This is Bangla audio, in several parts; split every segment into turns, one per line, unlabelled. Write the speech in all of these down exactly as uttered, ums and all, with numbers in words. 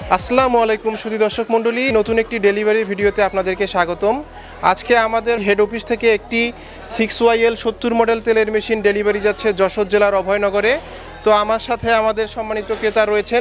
আসসালামু আলাইকুম সুধী দর্শক মণ্ডলী, নতুন একটি ডেলিভারি ভিডিওতে আপনাদেরকে স্বাগতম। আজকে আমাদের হেড অফিস থেকে একটি সিক্স ওয়াইএল সত্তর মডেল তেলের মেশিন ডেলিভারি যাচ্ছে যশোর জেলার অভয়নগরে। তো আমার সাথে আমাদের সম্মানিত ক্রেতা রয়েছেন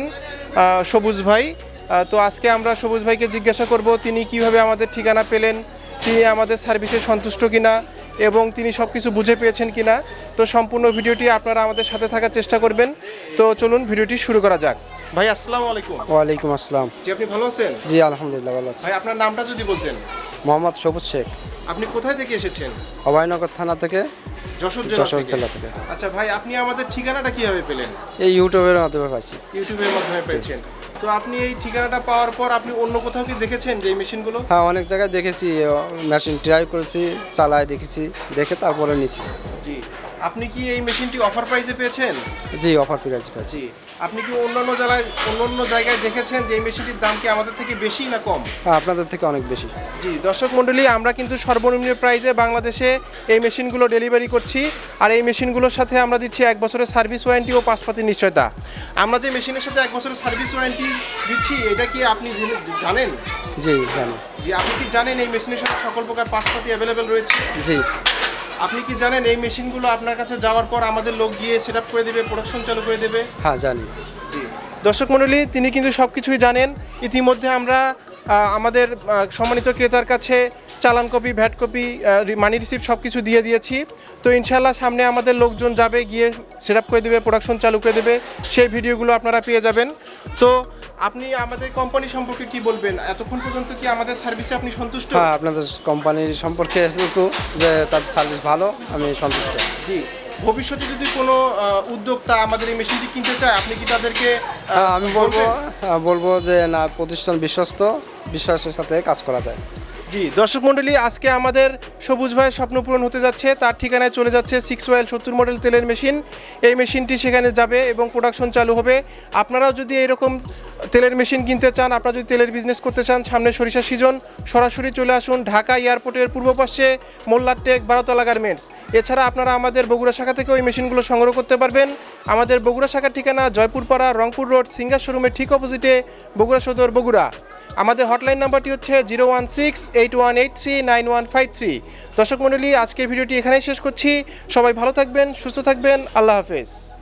সবুজ ভাই। তো আজকে আমরা সবুজ ভাইকে জিজ্ঞাসা করব তিনি কিভাবে আমাদের ঠিকানা পেলেন, তিনি আমাদের সার্ভিসে সন্তুষ্ট কিনা এবং তিনি সব কিছু বুঝে পেয়েছেন কিনা। তো সম্পূর্ণ ভিডিওটি আপনারা আমাদের সাথে থাকার চেষ্টা করবেন। তো চলুন ভিডিওটি শুরু করা যাক। ভাই আসসালামু আলাইকুম।
ওয়ালাইকুম আসসালাম।
জি, আপনি ভালো আছেন?
জি আলহামদুলিল্লাহ ভালো আছি।
ভাই আপনার নামটা যদি বলতেন।
মোহাম্মদ সবুজ শেখ।
আপনি কোথায় থেকে এসেছেন?
অভয়নগর থানা থেকে,
যশোর
যশোর
জেলা
জেলা থেকে।
আচ্ছা ভাই, আপনি আমাদের ঠিকানাটা কিভাবে পেলেন?
এই ইউটিউবের মাধ্যমে পাইছি।
ইউটিউবের মাধ্যমে পেয়েছেন। তো আপনি এই ঠিকানাটা পাওয়ার পর আপনি অন্য কোথাও কি দেখেছেন যে এই মেশিনগুলো?
হ্যাঁ, অনেক জায়গায় দেখেছি, মেশিন ট্রাই করেছি, চালায় দেখেছি, দেখে তারপরে নিছি।
জি, আপনি কি এই মেশিনটি অফার প্রাইসে পেয়েছেন?
জি অফার প্রাইসে পেয়েছি।
জি, আপনি কি অন্যান্য জেলায় অন্যান্য জায়গায় দেখেছেন যে এই মেশিনটির দাম কি আমাদের থেকে বেশি না কম?
হ্যাঁ, আপনাদের থেকে অনেক বেশি।
জি দর্শক মণ্ডলী, আমরা কিন্তু সর্বনিম্ন প্রাইসে বাংলাদেশে এই মেশিনগুলো ডেলিভারি করছি। আর এই মেশিনগুলোর সাথে আমরা দিচ্ছি এক বছরের সার্ভিস ওয়ারেন্টি ও পাঁচপাতির নিশ্চয়তা। আমরা যে মেশিনের সাথে এক বছরের সার্ভিস ওয়ারেন্টি দিচ্ছি, এটা কি আপনি জানেন?
জি জানি।
জি, আপনি কি জানেন এই মেশিনের সাথে সকল প্রকার পাঁচপাতি অ্যাভেলেবেল রয়েছে?
জি।
আপনি কি জানেন এই মেশিনগুলো আপনার কাছে যাওয়ার পর আমাদের লোক গিয়ে সেট আপ করে দেবে, প্রোডাকশন চালু করে দেবে?
হ্যাঁ জানি।
জি দর্শক মণ্ডলী, তিনি কিন্তু সব কিছুই জানেন। ইতিমধ্যে আমরা আমাদের সম্মানিত ক্রেতার কাছে চালান copy, VAT copy, money receipt সব কিছু দিয়ে দিয়েছি। তো ইনশাল্লাহ সামনে আমাদের লোকজন যাবে, গিয়ে সেট আপ করে দেবে, প্রোডাকশন চালু করে দেবে, সেই ভিডিওগুলো আপনারা পেয়ে যাবেন। তো আপনি আমাদের কোম্পানি সম্পর্কে কি বলবেন? এতক্ষণ পর্যন্ত কি আমাদের সার্ভিসে আপনি সন্তুষ্ট?
হ্যাঁ, আপনাদের কোম্পানির সম্পর্কে এতটুকু যে তাদের সার্ভিস ভালো, আমি সন্তুষ্ট।
জি, ভবিষ্যতে যদি কোনো উদ্যোক্তা আমাদের এই মেশিনটি কিনতে চায়, আপনি কি তাদেরকে?
হ্যাঁ, আমি বলবো বলবো যে না, প্রতিষ্ঠান বিশ্বস্ত, বিশ্বাসের সাথে কাজ করা যায়।
জি দর্শক মণ্ডলী, আজকে আমাদের সবুজ ভাইয়ের স্বপ্ন পূরণ হতে যাচ্ছে। তার ঠিকানায় চলে যাচ্ছে সিক্স ওয়াইএল সত্তর মডেল তেলের মেশিন। এই মেশিনটি সেখানে যাবে এবং প্রোডাকশন চালু হবে। আপনারাও যদি এরকম তেলের মেশিন কিনতে চান, আপনারা যদি তেলের বিজনেস করতে চান, সামনে সরিষা সিজন, সরাসরি চলে আসুন ঢাকা এয়ারপোর্টের পূর্ব পাশে মোল্লার টেক, বারোতলা গার্মেন্টস। এছাড়া আপনারা আমাদের বগুড়া শাখা থেকেও এই মেশিনগুলো সংগ্রহ করতে পারবেন। আমাদের বগুড়া শাখার ঠিকানা জয়পুরপাড়া, রংপুর রোড, সিঙ্গার শোরুমের ঠিক অপোজিটে, বগুড়া সদর, বগুড়া। আমাদের হটলাইন নাম্বারটি হচ্ছে zero one six eight one eight three nine one five three. দর্শক মণ্ডলী, আজকের ভিডিওটি এখানেই শেষ করছি। সবাই ভালো থাকবেন, সুস্থ থাকবেন, আল্লাহ হাফেজ।